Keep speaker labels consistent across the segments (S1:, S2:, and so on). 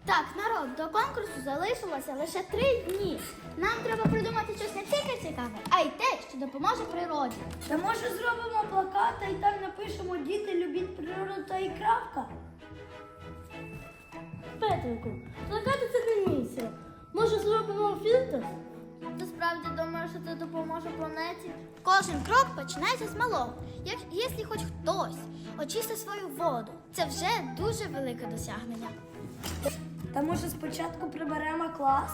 S1: Так, народ, до конкурсу залишилося лише 3 дні. Нам треба придумати щось не тільки цікаве, а й те, що допоможе природі.
S2: Та може зробимо плакати і там напишемо «Діти, любіть природу» та і крапка?
S3: Петрику, плакати це не місія. Може зробимо фільтр?
S1: Ти справді думаєш, що це допоможе планеті? Кожен крок починається з малого. Якщо хоч хтось очистить свою воду, це вже дуже велике досягнення.
S2: Та може спочатку приберемо клас?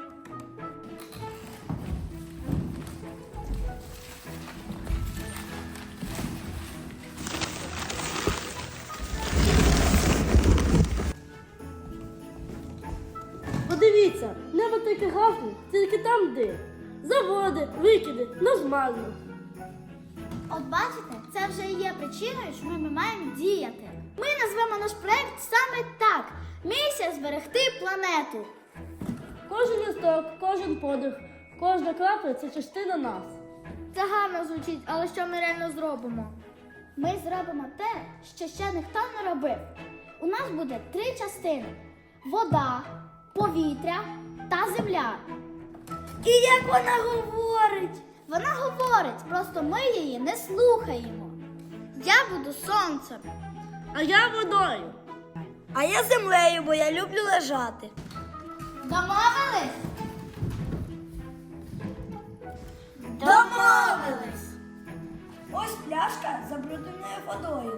S3: Подивіться, небо таке гарне, тільки там дим. Заводи, викиди, нормально.
S1: От бачите, це вже і є причиною, що ми маємо діяти. Ми назвемо наш проект саме так. Місія зберегти планету.
S3: Кожен листок, кожен подих, кожна крапля – це частина нас.
S1: Це гарно звучить, але що ми реально зробимо? Ми зробимо те, що ще ніхто не робив. У нас буде 3 частини: вода, повітря та земля.
S2: І як вона говорить?
S1: Вона говорить, просто ми її не слухаємо. Я буду сонцем.
S3: А я водою.
S2: А я землею, бо я люблю лежати.
S1: Домовились?
S2: Домовились! Ось пляшка з забрудненою водою.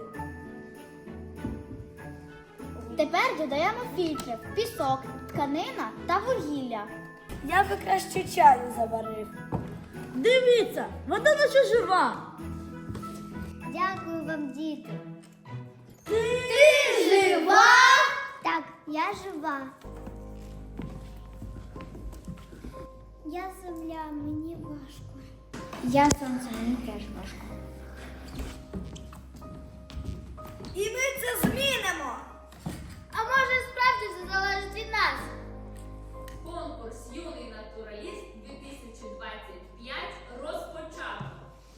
S1: Тепер додаємо фільтри, пісок, тканина та вугілля.
S2: Я би краще чаю заварив.
S3: Дивіться, вода наче жива.
S1: Дякую вам, діти.
S2: Ти
S1: Жива? Так, я жива. Я земля, мені важко. Я сонце, мені теж важко.
S2: І ми це змінимо!
S1: А може справді це залежить від нас?
S4: Конкурс «Юний натураліст 2025» розпочато.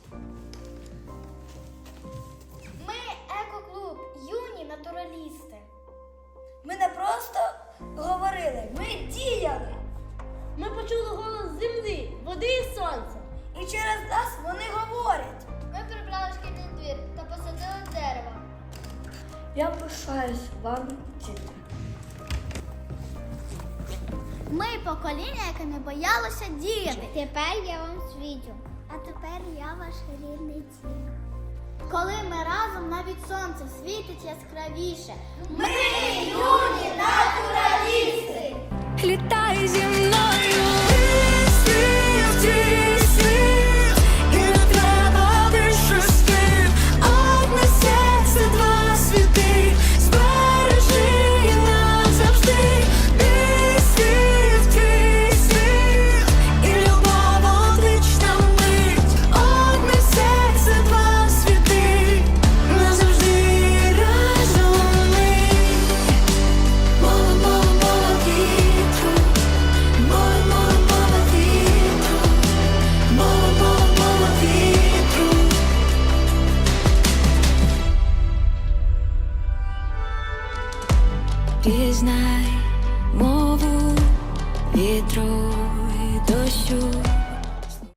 S1: Ми екоклуб, юні натуралісти.
S2: Ми не просто говорили, ми діяли.
S3: Ми почули голос землі, води і сонця.
S2: І через нас вони говорять.
S1: Ми прибрали шкільний двір та посадили дерево.
S2: Я пишаюсь вам, діти.
S1: Ми покоління, яке не боялося діяти. Тепер я вам світю. А тепер я ваш рідний дім. Коли ми разом, навіть сонце світить яскравіше. Ми юні натуралісти!
S5: Літай, земля.